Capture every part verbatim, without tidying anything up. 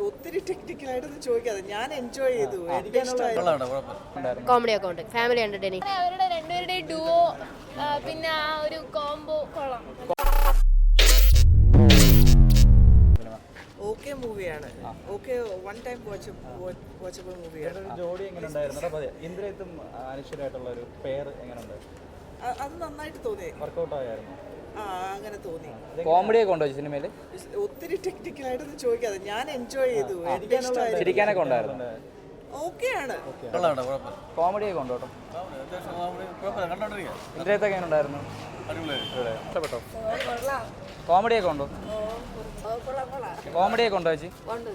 ഒത്തിരി ടെക്നിക്കലായിട്ടൊന്നും ചോദിക്കാതെ ഞാൻ എൻജോയ് ചെയ്തു. എനിക്ക് ഇഷ്ടമായി. കോമഡി ഒക്കെ ഉണ്ട്, ഫാമിലി എന്റർടൈനിങ്. അവരുടെ രണ്ടുപേരുടെയും ഡുവോ പിന്നെ ആ ഒരു കോംബോ കൊള്ളാം. ഓക്കെ മൂവിയാണ്. Okay one time watch watchable മൂവിയാണ്. ജോഡി എങ്ങനെ ഉണ്ടായിരുന്നു? ഇന്ദ്രയത്തും അനശ്വരമായിട്ടുള്ള ഒരു പെയർ എങ്ങനെയുണ്ട്? അത് നന്നായിട്ട് തോന്നി. വർക്കൗട്ട് ആയിരുന്നു. ആ അങ്ങനെ തോന്നി. കോമഡി ഒക്കെ ഉണ്ടോ സിനിമയിൽ? ഒത്തിരി ടെക്നിക്കലായിട്ടൊന്നും ചോദിക്കാതെ ഞാൻ എൻജോയ് ചെയ്തു. എനിക്ക് ഇഷ്ടമായി. ചിരിക്കാനൊക്കെ ഉണ്ടായിരുന്നു. ഓക്കെയാണ്. കോമഡി ഒക്കെ ഉണ്ടോ? ഇന്ദ്രയത്തൊക്കെ എങ്ങനെ ഉണ്ടായിരുന്നു? ഇഷ്ടപ്പെട്ടോ? കോമഡി ഒക്കെ ഉണ്ടോ? കോമഡി ഒക്കെ ഉണ്ടോ ചേച്ചി?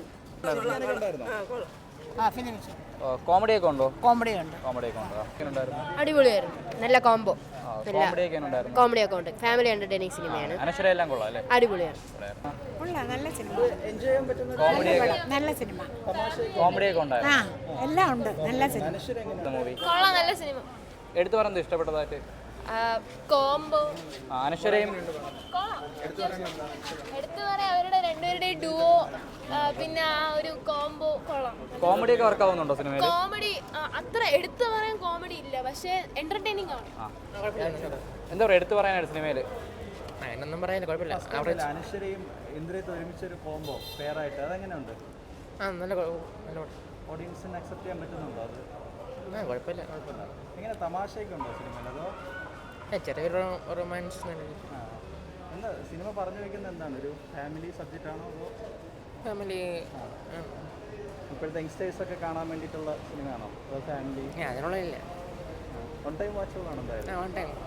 കോമഡി ഒക്കെ ഉണ്ടോ? കോമഡി ഉണ്ട്. കോമഡി ഒക്കെ ഉണ്ടോ? എങ്ങനെ ഉണ്ടായിരുന്നു? അടിപൊളിയായിരുന്നു, നല്ല കോംബോ. കോമഡി ഒക്കെ ഉണ്ടായിരുന്നു. കോമഡി ഒക്കെ ഉണ്ട്, ഫാമിലി എന്റർടൈനിങ് സിനിമയാണ്. അനശ്വര എല്ലാം കൊള്ളാം അല്ലേ? അടിപൊളിയാണ്. നല്ല സിനിമ, എൻജോയ് ചെയ്യാൻ പറ്റുന്ന കോമഡി ഒക്കെ നല്ല സിനിമ, കോമഡി ഒക്കെ ഉണ്ടായിരുന്നു. ആ എല്ലാം ഉണ്ട്, നല്ല സിനിമ. മൂവി കൊള്ളാം, നല്ല സിനിമ. എടുത്തു പറയുന്നത് ഇഷ്ടപ്പെട്ടതായിട്ട്? കോംബോ അനശ്വരയും കൊള്ളാം. എടുത്തു പറയാം, അവരുടെ രണ്ടുപേരുടെയും ഡുവോ പിന്നെ ആ ഒരു കോംബോ കൊള്ളാം. കോമഡി ഒക്കെ വർക്ക് ആവുന്നുണ്ടോ സിനിമയിൽ? കോമഡി അത്ര എടുത്തു പറയാൻ കോമഡി ഇല്ല, പക്ഷേ എന്റർടൈനിങ് ആണ്. എന്താ പറയുക, എടുത്തു പറയാനായിട്ട് സിനിമയിൽ? അതിനൊന്നും പറയാനില്ല, കുഴപ്പമില്ല. അനശ്വരയും ഇന്ദ്രയത്തും ഒരുമിച്ചൊരു കോംബോ പെയർ ആയിട്ട് അതെങ്ങനെയുണ്ട്? ആ നല്ല നല്ല ഓഡിയൻസിന് അക്സെപ്റ്റ് ചെയ്യാൻ പറ്റുന്നുണ്ടോ അത്? ആ കുഴപ്പമില്ല കുഴപ്പമില്ല. എങ്ങനെ തമാശയൊക്കെ ഉണ്ടോ സിനിമയിൽ? അതോ ചെറിയൊരു റൊമാൻസ്? ആ എന്താ സിനിമ പറഞ്ഞു വയ്ക്കുന്നത്? എന്താണ്, ഒരു ഫാമിലി സബ്ജക്റ്റ് ആണോ അതോ ഫാമിലി? ഇപ്പോഴത്തെ യങ്സ്റ്റേഴ്സ് ഒക്കെ കാണാൻ വേണ്ടിയിട്ടുള്ള സിനിമയാണോ അതോ ഫാമിലി? അതിനുള്ള ഇല്ല, വൺ ടൈം വാച്ചബിൾ ആണോ? എന്തായാലും വൺ ടൈം